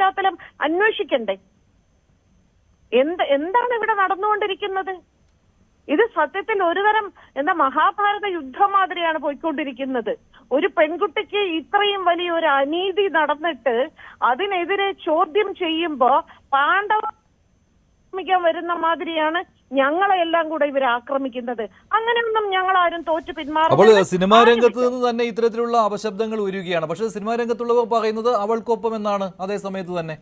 പശ്ചാത്തലം അന്വേഷിക്കണ്ടേ? എന്താണ് ഇവിടെ നടന്നുകൊണ്ടിരിക്കുന്നത്? ഇത് സത്യത്തിൽ ഒരുതരം മഹാഭാരത യുദ്ധം മാതിരിയാണ് പോയിക്കൊണ്ടിരിക്കുന്നത്. ഒരു പെൺകുട്ടിക്ക് ഇത്രയും വലിയ ഒരു അനീതി നടന്നിട്ട് അതിനെതിരെ ചോദ്യം ചെയ്യുമ്പോ പാണ്ഡവ വരുന്ന മാതിരിയാണ് ഞങ്ങളെ എല്ലാം കൂടെ ഇവർ ആക്രമിക്കുന്നത്. അങ്ങനെയൊന്നും ഞങ്ങൾ ആരും തോറ്റു പിന്മാറും. അപ്പോൾ സിനിമാ രംഗത്ത് നിന്ന് തന്നെ ഇത്തരത്തിലുള്ള അപശബ്ദങ്ങൾ ഉയരുകയാണ്. പക്ഷെ സിനിമാ രംഗത്തുള്ളവർ പറയുന്നത് അവൾക്കൊപ്പം എന്നാണ് അതേ സമയത്ത് തന്നെ.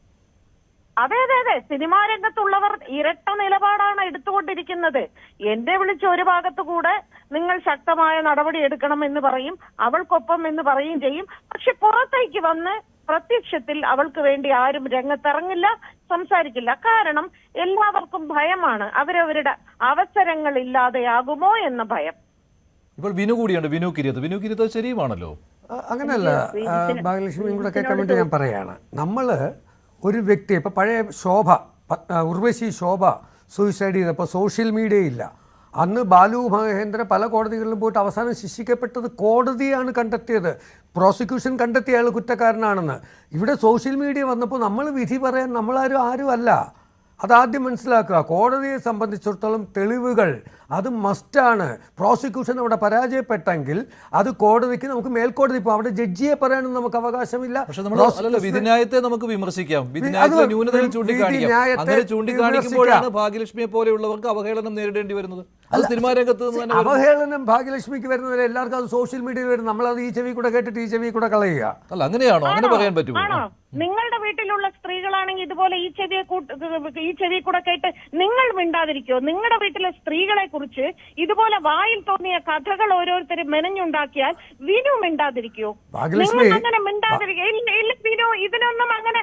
അതെ അതെ അതെ, സിനിമാ രംഗത്തുള്ളവർ ഇരട്ട നിലപാടാണ് എടുത്തുകൊണ്ടിരിക്കുന്നത്. എന്നെ വിളിച്ച് ഒരു ഭാഗത്തു കൂടെ നിങ്ങൾ ശക്തമായ നടപടി എടുക്കണം എന്ന് പറയും, അവൾക്കൊപ്പം എന്ന് പറയുകയും ചെയ്യും. പക്ഷെ പുറത്തേക്ക് വന്ന് പ്രത്യക്ഷത്തിൽ അവൾക്ക് വേണ്ടി ആരും രംഗത്തിറങ്ങില്ല, സംസാരിക്കില്ല. കാരണം എല്ലാവർക്കും ഭയമാണ്, അവരവരുടെ അവസരങ്ങൾ ഇല്ലാതെയാകുമോ എന്ന ഭയം. ഇപ്പോൾ വിനു കൂടിയുണ്ട്, വിനു കിരീത് ശരിയുമാണല്ലോ. അങ്ങനെയല്ല ഭാഗ്യലക്ഷ്മിയും കൂടെ കേൾക്കാൻ വേണ്ടി ഞാൻ പറയാണ്. നമ്മള് ഒരു വ്യക്തി ഇപ്പോൾ പഴയ ഉർവശി ശോഭ സൂയിസൈഡ് ചെയ്തപ്പോൾ സോഷ്യൽ മീഡിയ ഇല്ല. അന്ന് ബാലു മഹേന്ദ്ര പല കോടതികളിലും പോയിട്ട് അവസാനം ശിക്ഷിക്കപ്പെട്ടത് കോടതിയാണ് കണ്ടെത്തിയത്. പ്രോസിക്യൂഷൻ കണ്ടെത്തിയ അയാൾ കുറ്റക്കാരനാണെന്ന്. ഇവിടെ സോഷ്യൽ മീഡിയ വന്നപ്പോൾ നമ്മൾ വിധി പറയാൻ ആരും അല്ല. അതാദ്യം മനസ്സിലാക്കുക. കോടതിയെ സംബന്ധിച്ചിടത്തോളം തെളിവുകൾ അത് മസ്റ്റാണ്. പ്രോസിക്യൂഷൻ അവിടെ പരാജയപ്പെട്ടെങ്കിൽ അത് കോടതിക്ക് നമുക്ക് മേൽക്കോടതി ഇപ്പോൾ അവിടെ ജഡ്ജിയെ പറയാനും നമുക്ക് അവകാശമില്ല. വിധിന്യായത്തെ നമുക്ക് വിമർശിക്കാം, വിധിന്യായത്തെ ന്യൂനതകൾ ചൂണ്ടിക്കാണിക്കാം. അങ്ങനെ ചൂണ്ടിക്കാണിക്കുമ്പോഴാണ് ഭാഗ്യലക്ഷ്മിയെ പോലെയുള്ളവർക്ക് അവഹേളനം നേരിടേണ്ടി വരുന്നത്. അത് സിനിമാ രംഗത്ത് അവഹേളനം ഭാഗ്യലക്ഷ്മിക്ക് വരുന്നവരെ എല്ലാവർക്കും അത് സോഷ്യൽ മീഡിയയിൽ വരും. നമ്മളത് ഈ ചെവി കൂടെ കേട്ടിട്ട് ഈ ചെവി കൂടെ കളയുക. അല്ല, അങ്ങനെയാണോ? അങ്ങനെ പറയാൻ പറ്റുമോ? നിങ്ങളുടെ വീട്ടിലുള്ള സ്ത്രീകളാണെങ്കിൽ ഇതുപോലെ ഈ ചെവി കൂടെ കേട്ട് നിങ്ങൾ മിണ്ടാതിരിക്കോ? നിങ്ങളുടെ വീട്ടിലെ സ്ത്രീകളെ കുറിച്ച് ഇതുപോലെ വായിൽ തോന്നിയ കഥകൾ ഓരോരുത്തരും മെനഞ്ഞുണ്ടാക്കിയാൽ വിനു മിണ്ടാതിരിക്കോ? നിങ്ങൾ അങ്ങനെ മിണ്ടാതിരിക്കോ? വിനു ഇതിനൊന്നും അങ്ങനെ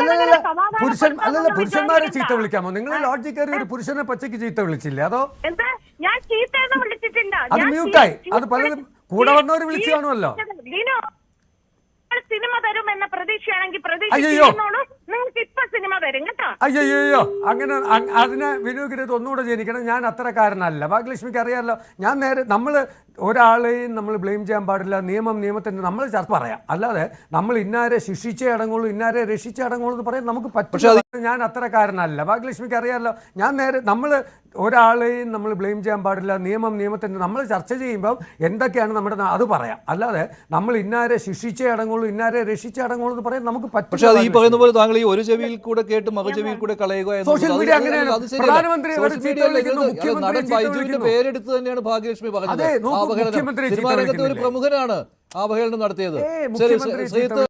പുരുഷന്മാരെ ചീത്ത വിളിക്കാമോ? നിങ്ങൾ ലോഡ്ജിൽ കയറി ഒരു പുരുഷനെ പച്ചയ്ക്ക് ചീത്ത വിളിച്ചില്ലേ? അതോ എന്താ? ഞാൻ ചീത്തയെന്ന് വിളിച്ചിട്ടില്ല. അത് മ്യൂട്ടായി. അത് പലരും കൂടെ വന്നവര് വിളിച്ചു കാണുമല്ലോ. വിനു സിനിമ തരും എന്ന പ്രതീക്ഷയാണെങ്കിൽ നിങ്ങൾക്ക് ഇപ്പൊ സിനിമ തരും കേട്ടോ. അയ്യോ അങ്ങനെ അതിനെ വിനൂകിരത് ഒന്നുകൂടെ ജനിക്കണം. ഞാൻ അത്രക്കാരനല്ല. ഭാഗ്യലക്ഷ്മിക്ക് അറിയാമല്ലോ. ഞാൻ നമ്മള് ഒരാളെയും നമ്മൾ ബ്ലെയിം ചെയ്യാൻ പാടില്ല. നിയമത്തിന് നമ്മൾ ചർച്ച പറയാം. അല്ലാതെ നമ്മൾ ഇന്നാരെ ശിക്ഷിച്ചേ അടങ്ങുള്ളൂ, ഇന്നാരെ രക്ഷിച്ചേ അടങ്ങുള്ളൂ എന്ന് പറയാൻ നമുക്ക് പറ്റും. ഞാൻ അത്രക്കാരനല്ല. ഭാഗ്യലക്ഷ്മിക്ക് അറിയാമല്ലോ. നമ്മൾ ഒരാളെയും നമ്മൾ ബ്ലെയിം ചെയ്യാൻ പാടില്ല. നിയമത്തിന് നമ്മൾ ചർച്ച ചെയ്യുമ്പോൾ എന്തൊക്കെയാണ് നമ്മുടെ അത് പറയാം. അല്ലാതെ നമ്മൾ ഇന്നാരെ ശിക്ഷിച്ചേ അടങ്ങുള്ളൂ, ഇന്നാരെ രക്ഷിച്ചേ അടങ്ങുള്ളൂ എന്ന് പറയാൻ നമുക്ക് പറ്റും. പക്ഷേ അത് ഈ പറയുന്ന പോലെ താങ്കൾ ഈ ഒരു ചെവിയിൽ കൂടെ കേട്ട് മറു ചെവിയിൽ കൂടെ കളയുക. സോഷ്യൽ മീഡിയ അങ്ങനെയാണ്. പ്രധാനമന്ത്രി പേരെടുത്ത് തന്നെയാണ് ഭാഗ്യലക്ഷ്മി പറഞ്ഞത്. ഒരു പ്രമുഖനാണ് അവഹേളനം നടത്തിയത്.